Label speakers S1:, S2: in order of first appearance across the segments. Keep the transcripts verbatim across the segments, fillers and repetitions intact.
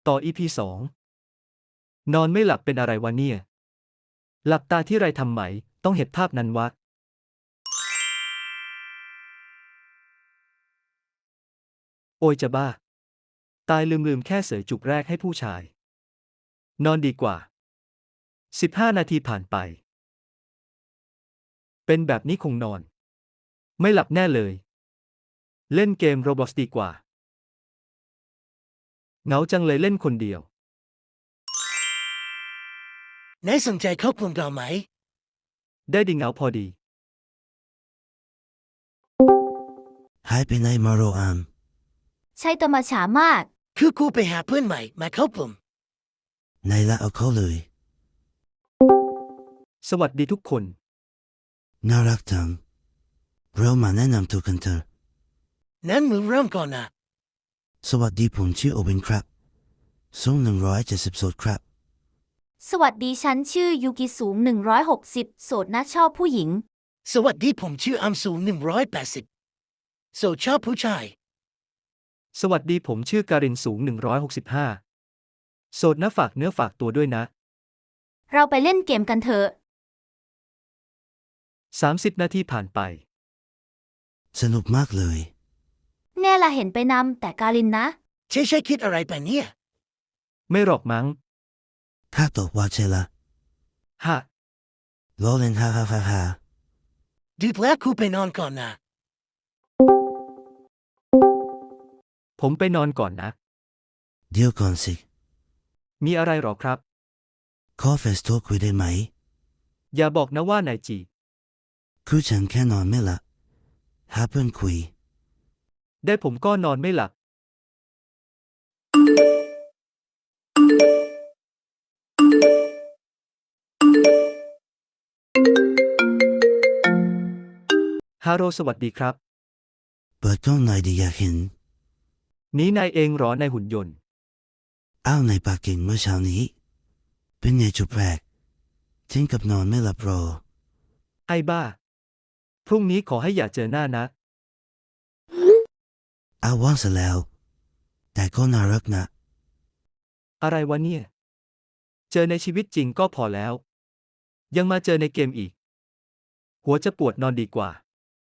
S1: ต่อ อี พี สอง นอนไม่หลับเป็นอะไรวะเนี่ยหลับตาที่ไรทำไหมต้องเห็นภาพนั้นวะโอยจะบ้าตายลืมๆแค่เสยจุกแรกให้ผู้ชายนอนดีกว่าสิบห้านาทีผ่านไปเป็นแบบนี้คงนอนไม่หลับแน่เลยเล่นเกม Roblox ดีกว่าเหงาจังเลยเล่นคนเดียวน
S2: ายสนใจเข้ากลุ่มเราไหม
S1: ได้ดีเหงาพอดี
S3: หายไปไหนมาโรอาม
S4: ใช่ตัวมาช้ามาก
S2: คือกูไปหาเพื่อนใหม่มาเข้ากลุ่ม
S3: ไหนละเอาเขาเลย
S1: สวัสดีทุกคน
S3: น่ารักจังเรามาแนะนำตัวกันเถอะ
S2: นั้นมึงเริ่มก่อนนะ
S3: สวัสดีผมชื่อโอเวนครับสูงหนึ่งร้อยเจ็ดสิบโสดครับ
S4: สวัสดีฉันชื่อยูกิสูงหนึ่งร้อยหกสิบโสดนะชอบผู้หญิง
S2: สวัสดีผมชื่ออัมสูงหนึ่งร้อยแปดสิบโสดชอบผู้ชาย
S1: สวัสดีผมชื่อการินสูงหนึ่งร้อยหกสิบห้าโสดนะฝากเนื้อฝากตัวด้วยนะ
S4: เราไปเล่นเกมกันเถอะ
S1: สามสิบนาทีผ่านไป
S3: สนุกมากเลย
S4: แน่ละเห็นไปนำแต่การินนะ
S2: ใช่ใช่คิดอะไรไปเนี่ย
S1: ไม่หรอกมั้ง
S3: ถ้าตอบว่าใช่ละ
S1: ฮะ
S3: ล้อเล่นฮ่าฮ่าฮ่าฮ่า
S2: ดึกแล้วกูไปนอนก่อนนะ
S1: ผมไปนอนก่อนนะ
S3: เดี๋ยวก่อนสิ
S1: มีอะไรหรอครับ
S3: ขอเฟซโทรคุยได้ไหม
S1: อย่าบอกนะว่านายจี
S3: คือฉันแค่นอนไม่หลับหาเพื่อนคุย
S1: ได้ผมก็นอนไม่หลับฮาโรสวัสดีครับ
S3: เปิดกล้องหน่อยดีอยากเห็น
S1: นี้นายเองหรอนายหุ่นยนต์
S3: อ้าวในปากเก่งเมื่อเช้านี้เป็นไงจุดแรกถึงกับนอนไม่หลับรอ
S1: ไอ้บ้าพรุ่งนี้ขอให้อย่าเจอหน้านะ
S3: อ้าวว่างซะแล้วแต่ก็น่ารักนะ
S1: อะไรวะเนี่ยเจอในชีวิตจริงก็พอแล้วยังมาเจอในเกมอีกหัวจะปวดนอนดีกว่า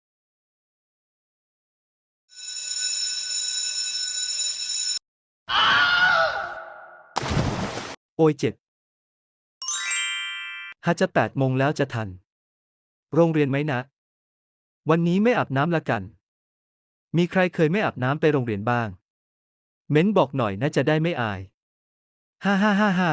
S1: โอยเจ็บหาจะแปดโมงแล้วจะทันโรงเรียนไหมนะวันนี้ไม่อาบน้ำละกันมีใครเคยไม่อาบน้ำไปโรงเรียนบ้างเม้นบอกหน่อยนะจะได้ไม่อายฮ่าฮ่าฮ่าฮ่า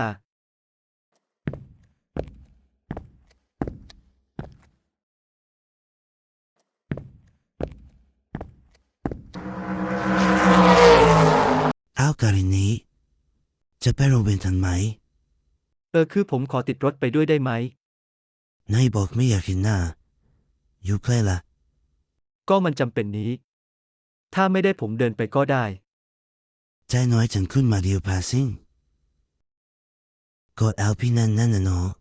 S3: อ้าวการินนี้จะไปโรงเรียนทันไหม
S1: เออคือผมขอติดรถไปด้วยได้ไหม
S3: นายบอกไม่อยากเห็นหน้าอยู่ใกล้ละ
S1: ก็มันจำเป็นนี้ถ้าไม่ได้ผมเดินไปก็ได้
S3: ใจน้อยฉันขึ้นมาเดียวพาซิ่งกดแอลพี่นั่นนั่นน่ะเนาะ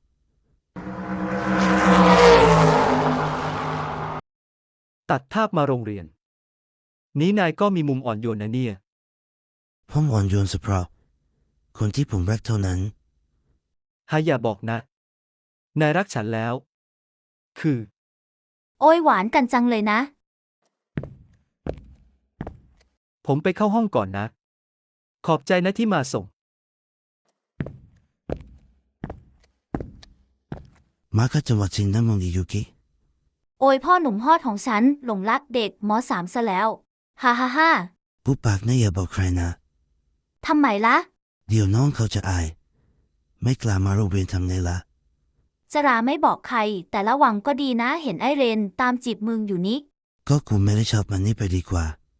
S1: ตัดภาพมาโรงเรียนนี้นายก็มีมุมอ่อนโยนนะเนี่ย
S3: ผมอ่อนโยนเฉพาะคนที่ผมรักเท่านั้น
S1: ฮาอย่าบอกนะนายรักฉันแล้วคือ
S4: โอ้ยหวานกันจังเลยนะ
S1: ผมไปเข้าห้องก่อนนะขอบใจนะที่มาส่ง
S3: มาก็จังหวัดชินน้ำมงอิยุกิ
S4: โอ้ยพ่อหนุ่มฮอดของฉันหลงรักเด็กมสามซะแล้วฮ่าฮ่าฮ่า
S3: ปุ๊บปากนะอย่าบอกใครนะ
S4: ทำไมละ
S3: เดี๋ยวน้องเขาจะอายไม่กล้ามาโรงเรียนทำไงละ
S4: จะราไม่บอกใครแต่ระวังก็ดีนะเห็นไอเรนตามจีบมึงอยู่นี้
S3: ก็กูไม่ได้ชอบมันนี่ไปดีกว่า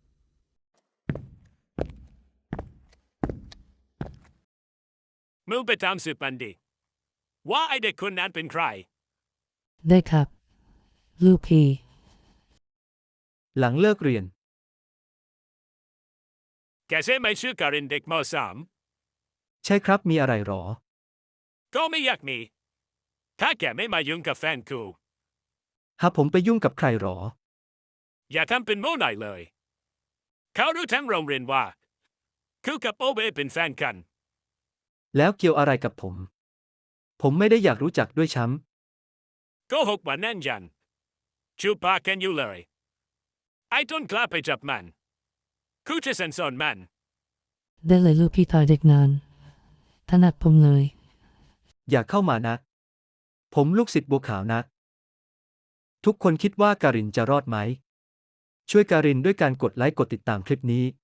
S5: มึงไปตามสืบมันดิว่าไอเด็กคนนั้นเป็นใคร
S6: ได้ครับลูกพี่
S1: หลังเลิกเรียน
S5: แกใช่ไหมชื่อการินเด็กมสาม
S1: ใช่ครับมีอะไรหรอ
S5: ก็ไม่อยากมีถ้าแกไม่มายุ่งกับแฟนกู
S1: หาผมไปยุ่งกับใครหรอ
S5: อย่าทำเป็นโม่ไหนเลยเขารู้ทั้งโรงเรียนว่ากูกับโอเบเป็นแฟนกัน
S1: แล้วเกี่ยวอะไรกับผม ผมไม่ได้อยากรู้จักด้วยช้
S5: โกหกว่าแน่นยันชูปากกันอยู่เลยไอ้ต้นกล้าไปจับมันคูจะสันสอนมัน
S6: ได้เลยลูกพี่ต่อยเด็กนานถนัดผมเลย
S1: ำอย่าเข้ามานะ ผมลูกศิษย์บัวขาวนะ ทุกคนคิดว่าการินจะรอดไหม ช่วยการินด้วยการกดไลค์กดติดตามคลิปนี้